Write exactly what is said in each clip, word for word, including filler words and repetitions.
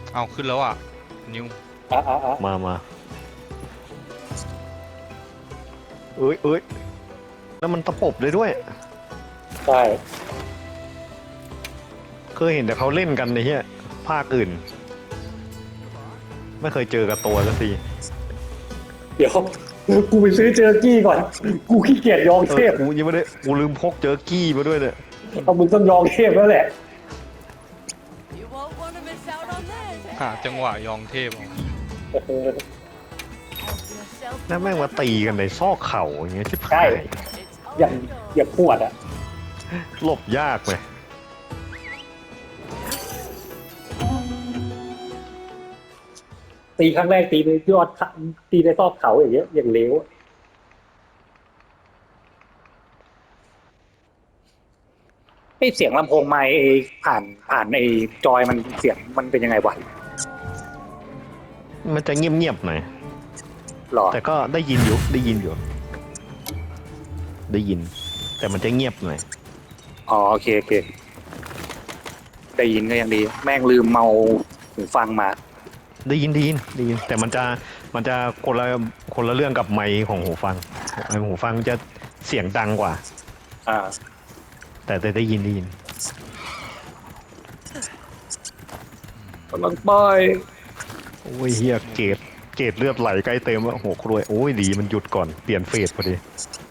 เอาขึ้นแล้วอ่ะนิวอ่ะอ่ะอ่ะมามาเอ้ยเอ้ยแล้วมันตะปบเลยด้วยใช่เคยเห็นแต่เขาเล่นกันในเฮียภาคอื่นไม่เคยเจอกับตัวสักทีเดี๋ยวกูไปซื้อเจอกี้ก่อนกูขี้เกียจยองเอเทอพกูยังไม่ได้กูลืมพกเจอกี้มาด้วยเนี่ยเอามึงต้องยองเทพแล้วแหละ You won't want to miss out on this. หาจังหวะยองเทพเอาเออ Help yourself แล้วแม่งมาตีกันในซอกเข่าอย่างเงี้ยชิบใช่หาย It's อย่าง all yours. อย่างขวดอ่ะหลบยากเลยตีครั้งแรกตีในยอดเขาตีในซอกเขาอย่างเงี้ยอย่างเลี้ยวไอเสียงลำโพงไมค์ไอ้ผ่านผ่านไอจอยมันเสียงมันเป็นยังไงวะมันจะเงียบๆหน่อยหรอแต่ก็ได้ยินอยู่ได้ยินอยู่ ได้ยิน แต่มันจะเงียบหน่อยอ๋อโอเคโอเคได้ยินก็ยังดี แม่งลืมเมาหูฟังมาได้ยินได้ยินได้ยิน แต่มันจะมันจะคนละคนละเรื่องกับไมค์ของหูฟังไมค์หูฟังจะเสียงดังกว่าอ่าแต่แต่ได้ยินได้ยินกำลังป้อยโอ้ยเฮียเกตเกตเลือดไหลใกล้เต็มแล้วโหครวยโอ้ยดีมันหยุดก่อนเปลี่ยนเฟสพอดี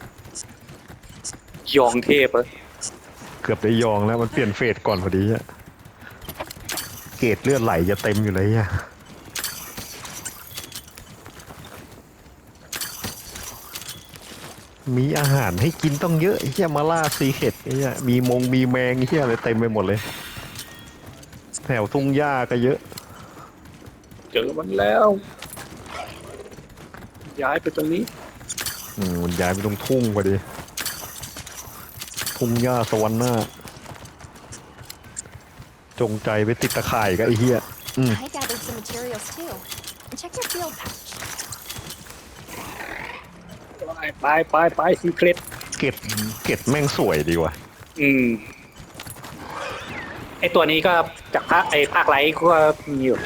ยองเทพอะเกือบได้ยองแล้วมันเปลี่ยนเฟสก่อนพอดีอะเกตเลือดไหลจะเต็มอยู่เลยอะมีอาหารให้กินต้องเยอะไอ้เฮียมาล่าซีเค็ดไอ้เฮียมีมงมีแมงไอ้เฮียอะไรเต็มไปหมดเลยแถวทุ่งหญ้าก็เยอะเจอมันแล้ว ย้ายไปตรงนี้อืมมันย้ายไปตรงทุ่งพอดีทุ่งหญ้าสวรรค์หน้าจงใจไปติดตะข่ายกับไอ้เฮียอืม I gathered some materials too. And check your field pouch. ไปไปไปซีเครตเกตเกตแม่งสวยดีว่ะอืม ไอตัวนี้ก็จากภาคไอภาคไลท์ก็มีอยู่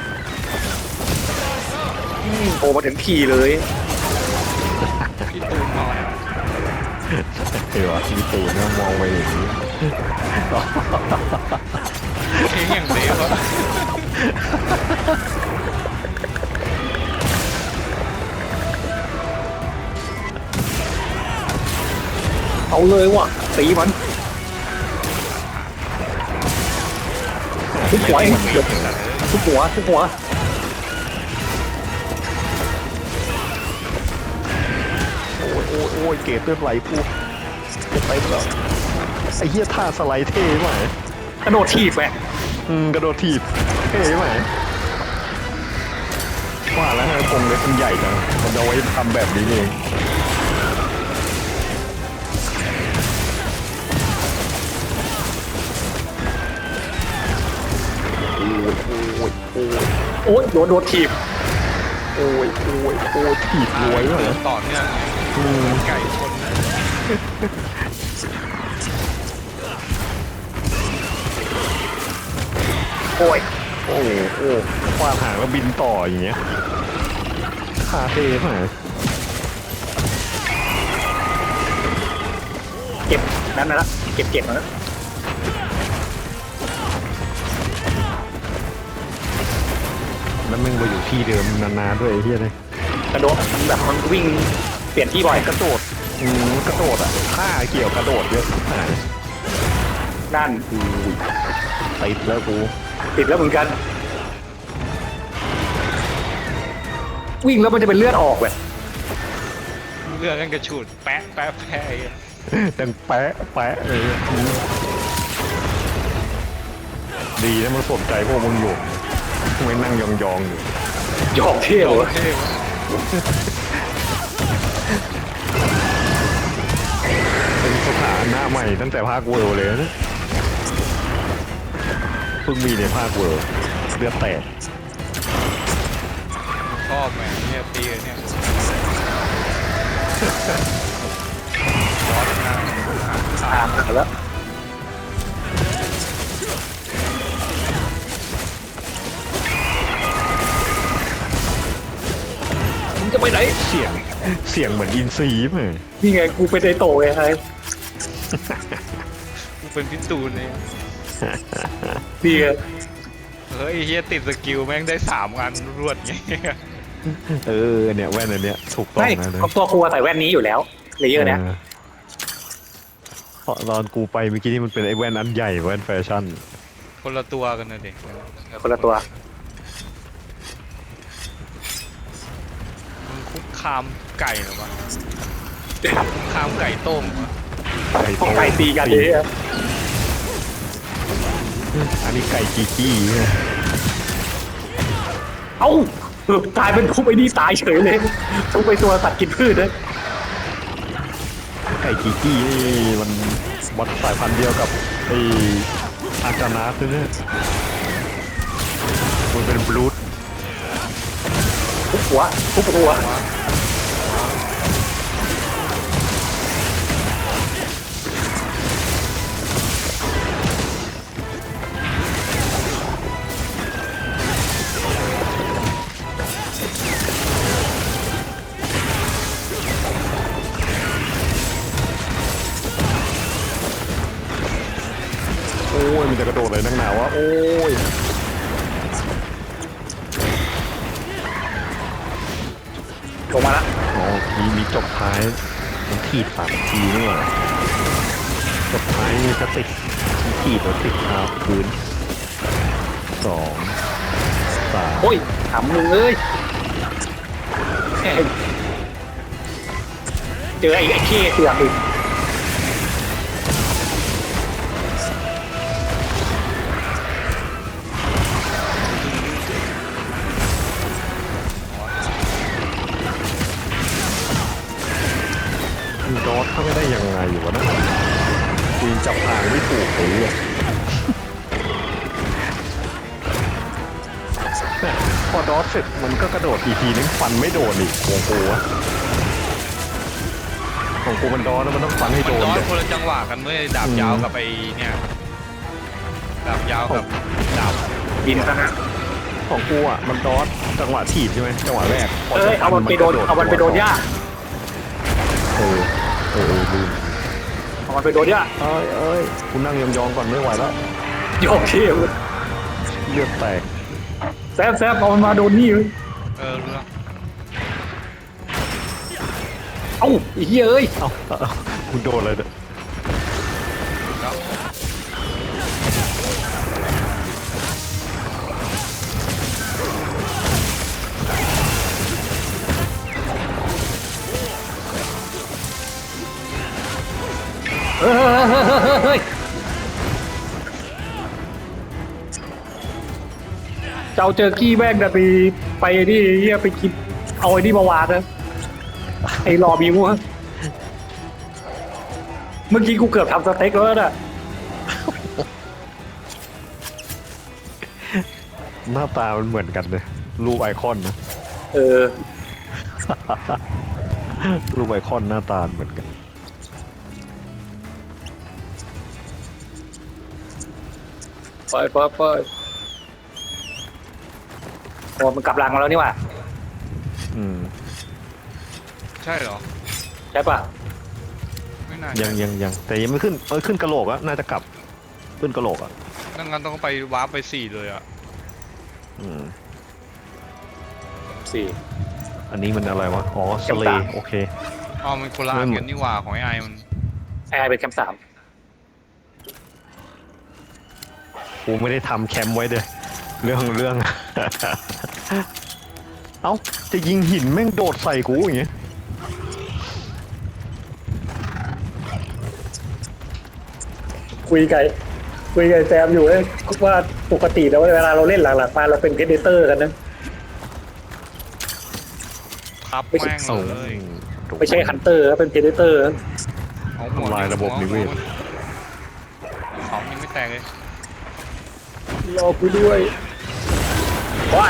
อืมโผล่มาถึงขี่เลยพี่ตูนนอนเออมีตูนนะมองไปอย่างนี้เพลงอย่างเดฟอะเอาเลยว่ะตีมันทุกหัวเองเดี๋ยวทุกหัวทุกหัวโอ้ยโอ้ยโอ้ยเกตเลือดไหลพูจะไปแล้วไอ้เหี้ยท่าสไลด์เท่ไหมกระโดดถีบแหวะอืมกระโดดถีบเท่ไหมว่าแล้วนะกรงเล็กมันใหญ่จังมันเอาไว้ทำแบบนี้เองโอ้ยโอ้ยโอ้ยโอ้ยโดนโดนถีบโอ้ยโอ้ยโอ้ยถีบรวยเลยต่อเนื่องไงอืมไก่ชนนะโอ้ยโอ้โอ้ฟาดหางแล้วบินต่ออย่างเงี้ยคาเท่ไหมเก็บนั่นนะละเก็บเก็บนะแล้วมึงไปอยู่ที่เดิมนานๆด้วยไอ้เหี้ยเลยกระโดดแบบมันวิ่งเปลี่ยนที่บ่อยกระโดดอืมกระโดดอ่ะท่าเกี่ยวกระโดดเยอะหายนั่นอุ้ยติดแล้วกูติดแล้วเหมือนกัน วิ่งแล้วมันจะเป็นเลือดออกแบบเลือกกันกระฉูดแปะแปะแปะไอ้เหี้ยดังแปะแปะเลยอืมดีนะมันสนใจพวกมึงอยู่ไม่นั่งยองๆอยู่หยอกเที่ยวโออะเคเป็นสถานะใหม่ตั้งแต่ภาคเวิร์เลยนะเพิ่งมีในภาคเวิร์เลือดแตกชอบแหมเนี่ยปีเนี่ยร้อนมากตามมาแล้วไปไหนเสียงเสียงเหมือนอินซีไหมนี่ไงกูเป็นไอโตไงไงกูเป็นพิตูนเลยนี่ไงเฮ้ยเฮียติดสกิลแม่งได้สามอันรวดไงเออเนี่ยแว่นอันเนี้ยถูกต้องไม่นะเนี่ยตัวครัวใส่แว่นนี้อยู่แล้วเลเยอร์เนี้ยเออเพราะตอนกูไปเมื่อกี้นี่มันเป็นไอ้แว่นอันใหญ่แว่นแฟชั่นคนละตัวกันนะเด็กคนละตัวมึงคุกคามไก่เหรอวะคุกคามไก่ต้มเหรอพวกไก่ตีกันเลยอะอันนี้ไก่จีจี้เนี่ยเอ้าเออกลายเป็นทุบไอ้นี่ตายเฉยเลยทุบไปตัวสัตว์กินพืชนะไก่จีจี้นี่มันบอทสายพันธุ์เดียวกับไอ้อาจานาสเนี่ยมันเป็นบลูดทุบหัวทุบหัวโอ้ยมันจะกระโดดเลยนักหนาวะโอ้ยลงมาละอ๋อมีมีจบท้ายมันถีบสามทีนี่หว่าจบท้ายนี่ก็ติดถีบแล้วติดคาพื้นสองสามโอ้ยถามมึงเอ้ยแม่งเจอไอ้ไอ้เข้เสือกอีกมันดอทเข้าไม่ได้ยังไงอยู่วะนะกูยังจับทางไม่ถูกเลยอะเนี่ยพอดอทเสร็จมันก็กระโดดอีกทีนึงฟันไม่โดนอีกโอ้โหวะของกูมันดอทแล้วมันต้องฟันให้โดนย้อนเลยคนละจังหวะกันเมื่อดาบยาวกับไอ้เนี่ยดาบยาวกับดาบบินซะนะของกูอ่ะมันดอทจังหวะถีบใช่ไหมจังหวะแรกพเอ้ยจะเอามันไปโดนกระเอามันไปโดนหญ้าเออเออเออลืมเอามันไปโดนหญ้าเอ้ยเอ้ยกูนั่งยองๆก่อนไม่ไหวแล้วโยกเข้เลือดแตกแซฟแซฟเอามันมาโดนนี่เว้ยเออรู้แล้วเอ้าไอ้เหี้ยเอ้ยเอ้าเอ้ากูโดนเลยเนี่ยแล้วเฮ้ยเฮ้ยเจ้าเจอกี้แม่งนะไปไปนี่เหี้ยไปกินเอาไอ้นี่มาวางนะไอ้รอบิวอะเมื่อกี้กูเกือบทำสเต็กแล้วน่ะหน้าตามันเหมือนกันเลยรูปไอคอนนะเออรูปไอคอนหน้าตาเหมือนกันไปไปไปโอ้มันกลับรังมาแล้วนี่หว่าอืมใช่เหรอใช่ปะไม่น่ายังยังยังแต่ยังไม่ขึ้นเออขึ้นกระโหลกอะน่าจะกลับขึ้นกระโหลกอะดังนั้นต้องไปวาร์ปไปสี่เลยอ่ะอืมสี่อันนี้มันอะไรวะอ๋อสแคมป์เลสามโอเคอ๋อมันคนละอันกันนี่หว่าของไอ้ไอมันแอร์เป็นแคมป์สามกูไม่ได้ทำแคมป์ไว้เด้อเรื่องเรื่อง เอ้าจะยิงหินแม่งโดดใส่กูอย่างเงี้ยคุยกับคุยกับแซมอยู่เอ้ยว่าปกติแล้วเวลาเราเล่นหลังๆมาเราเป็นเพเดเตอร์กันนะทับไม่ใช่แม่งโอ้เลยไม่ใช่ฮันเตอร์เป็นเพเดเตอร์เอาหัวทำลายระบบนิเวศเขายังไม่แตกเลยรอกูด้วยว้าย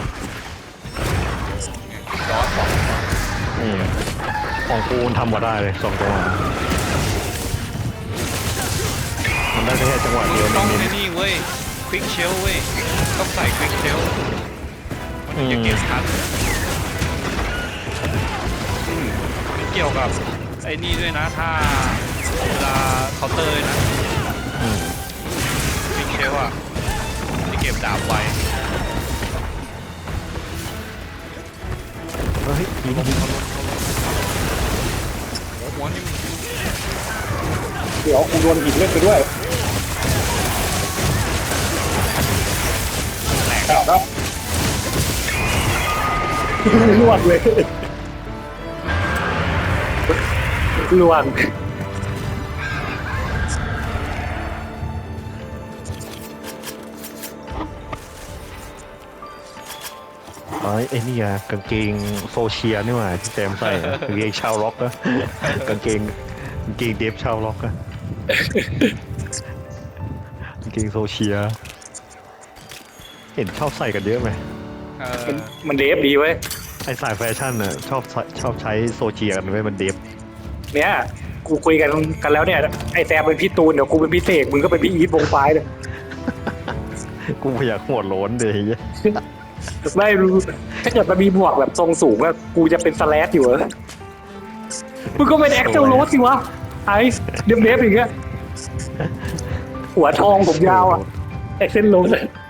ย้อนบอกอืมของกูมันทำมาได้เลยสองจังหวะมันได้แค่จังหวะเดียวต้องเน้นในนี่เว้ยควิกเชลเว้ยต้องใส่ควิกเชลมันจะเก็บทันไม่เกี่ยวกับไอ้นี่ด้วยนะถ้าเวลาเคาน์เตอร์เลยนะอืมฟิกเชลอะที่เก็บดาบไว้เฮ้ยยิงยิงโอ้โหหัวนี่เดี๋ยวกูโดนหินเล่นไปด้วยแหลกครับครับลวกเลยลวกไอ้ไอ้นี่อะกางเกงโซเชียนี่หว่าที่แซมใส่อะกางเกงชาวล็อกอะกางเกงกางเกงเดฟชาวล็อกอะกางเกงโซเชียเห็นชอบใส่กันเยอะไหมเออมันมันเดฟดีเว้ยไอ้สายแฟชั่นอะชอบใช้ชอบใช้โซเชียกันไว้ยมันเดฟเนี่ยกูคุยกันกันแล้วเนี่ยไอแซมเป็นพี่ตูนเดี๋ยวกูเป็นพี่เสกมึงก็เป็นพี่อีทวงไฟเลยกูอยากหัวโล้นเลยไอ้เหี้ยไม่รู้ถ้าเกิดมันมีหมวกแบบทรงสูงอะกูจะเป็นสแลชอยู่เหรอมึงก็เป็นแอคเซลโรสสิวะไอ้เดฟเดฟอย่างเงี้ยหัวทองผมยาวอะแอคเซลโรส